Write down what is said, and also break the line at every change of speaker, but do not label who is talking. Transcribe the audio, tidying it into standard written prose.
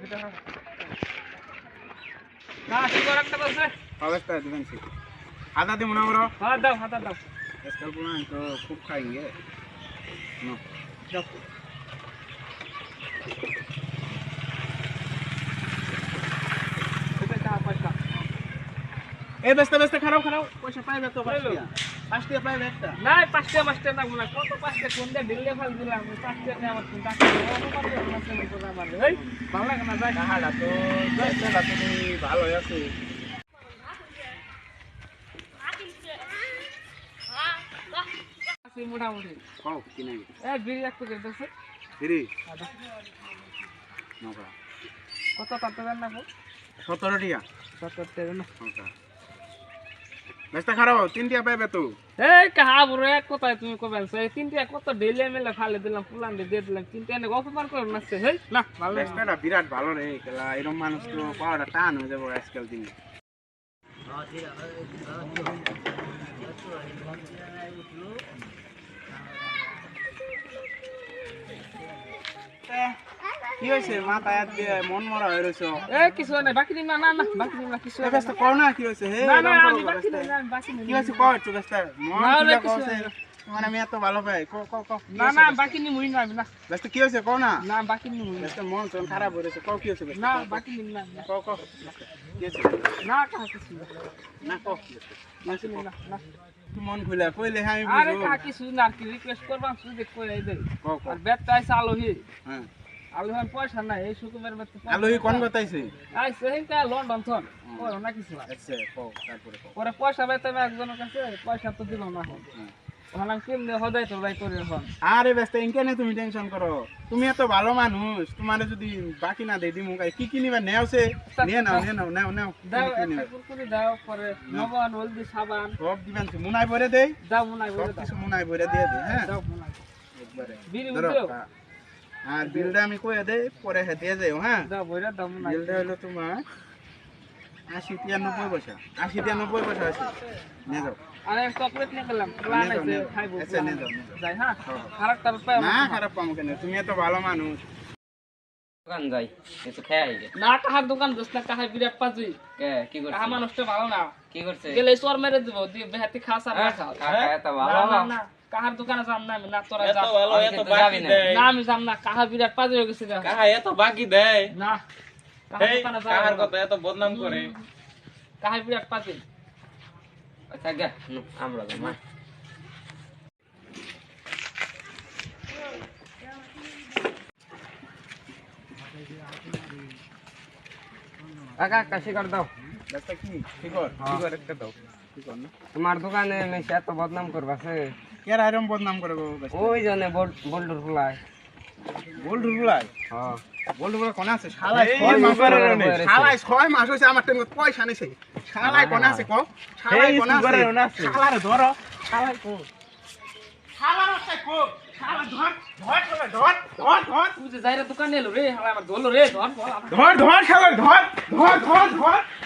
না শিকড় একটা বসে
अवस्था दिवन से आधा दे मुनावरो
हां दाओ हाथा दाओ
इसका पुना तो खूब खाएंगे नो
जाओ এটা কা পয়সা
ए बेस्ता बेस्ता खराब खराब पैसा पाइबे तो पाँचटिया पाइबे একটা
না পাঁচটা মাস্টার না মনে কত পাঁচটা কোন দে দিলে ফাল দিলাম পাঁচটা নে আমার কোন টাকা আমার এই ভালো লাগে না যাই
কাহাডা তো বেস্তা তুমি ভালো আছো
আছে মোটামুটি
কও কি নাই
এ বিড়ি এক প্যাকেট দছে
ফিরি নকা
কত কত দেন না
17 টিয়া
70 টাকা না
নকা বেস্তা খারাপ তিনটিয়া পাইবে তো
এই কাহা বুড়ো এক কথায় তুমি কবেন সেই তিনটা কত ডেলে মেলে ফালে দিলাম ফুলান দিয়ে দিলাম তিনটা এনে অপমান করে নাচছে হেই না ভালো লাগে
বেস্তাটা বিরাট ভালো রে খেলা এরকম মানুষ তো পাওয়াটা টান হয়ে যাবে আজকাল দিনে কি হয়েছে মাথায় আজকে মন মরা হয়ে রয়েছে
এ কিছু নাই বাকি দিন না না না বাকি দিন না কিছু
বেস্তা কও না কি হয়েছে হে
না না
এরকম
আমি
করো
বাকি
বেস্তা।
দিন না বাকি দিন
কি হয়েছে কও একটু বেস্তা মন
না,
খুলে
কিছু
কওছে মানে আমি এত ভালো পাই কও কও কও কি
না
হয়েছে
না
বেস্তা?
বাকি নি মুই না না
বেস্তা কি হয়েছে কও না
না বাকি নি মুই
বেস্তা মন তোর খারাপ হয়ে রয়েছে কও কি হয়েছে বেস্তা
না
কও, কও।
বাকি দিন না
কও কও কি হয়েছে
না কাহা কিছু
না কও কি হয়েছে?
বাকি দিন না না
তুই মন খুলে কইলে আমি
আরে
বুঝবো
কাহা কিছু না কি রিকোয়েস্ট করবা সুদে কই আই দে
কও কও
আর বেত আইছে আলোহি
হ্যাঁ
আলোহি পয়সা নাই এই সুকুমের বেত
আলোহি কোন কথাইছে
আইছে হেনকা লন্ডন থন ওর না কিছু
আচ্ছা কও তারপরে কও
পরে পয়সা বেতন একজনের কাছে পয়সা তো দিল না হন
হুম।
ওখানে কেমনে হদাই তো রাই করে হন
আরে ব্যস্ত ইনকেনে তুমি টেনশন করো তুমি এত ভালো মানুষ তোমারে যদি বাকি না দেই দিমু কি কি নিবা নেওছে নিয়ে নাও নিয়ে নাও নাও নাও
দাও
কি নিবা?
একটা কুরকুরি দাও পরে নবন হলদি সাবান
সব দিবেন তো মুনাই ভরে দেই
দাও মনাই
সব
বলে দাও
কিছু মুনাই ভরে দিয়ে দেই হ্যাঁ
দাও মনাই
একবারে
বিড়ি
ধরো,
উঠেও
হ্যাঁ। আর বিলটা আমি কইয়া দেই পরে হে দিয়ে যাও হ্যাঁ
দাও বইরা দাও মনাই
বিলটা হলো তোমার 80-90 পয়সা 80-90 পয়সা আছে নিয়ে যাও
আরে চকলেট নিয়ে গেলাম প্লান
নিয়ে যাও,
আছে
নিয়ে যাও।
খাইবো
আচ্ছা, নিয়ে যাও, নিয়ে যাও।
যাই হ্যাঁ
হ্যাঁ, হ্যাঁ।
খারাপ পায়
না খারাপ পাবো কেন তুমি এত ভালো মানুষ
দোকান যাই একটু খেয়ে আইগে
না কাহার দোকান দোস না কাহার বিরাট পাজুই
কে কি করছে
কাহা মানুষটা ভালো না
কি করছে
গেলে চোর মেরে দিব দিয়ে বেহাতি খাস আর না খাও
কাকা এত ভালো
না, না, না, কাহার দোকানে যাম না আমি না তোরা যা
আমি কিন্তু যাবি না
না আমি যাম না কাহা বিরাট পাজু হয়ে গেছে গা।
কাহা এত বাকি দেয়
না কাহার
এই
দোকানে
কাহার
যাম
কথা এত বদনাম করে
কাহার বিরাট পাজু
আচ্ছা গে আমরা যাই মা কাকা কাশি কর দাও
ব্যস্ত কি ঠিক কর একটা দাও ঠিক কর না
তোমার দোকানে মেশে এত বদনাম করবাছে
কেরা এরম বদনাম করে গো ব্যস্ত
ওই জনে বোল্ডুর ফুলায়
গোল ঢুকলাই
হ্যাঁ
গোল ঢুকলাই কোন আছে শালাই
এই
6 মাস
সুগারের
ধরে
অনেক।
শালাই 6 মাস হইছে আমার টাইমে পয়সা নিছে শালাই কোন আছে কো শালাই
এই
কোন
সুগারের
আছে
অনেক আছে।
শালার ধর শালাই কো শালার আছে কো শালা ধর ধর শালা ধর ধর ধর
তুই যে যাইরা দোকানে এলো রে হালা আমার ধরলো রে ধর ধর
ধর ধর শালা ধর ধর ধর ধর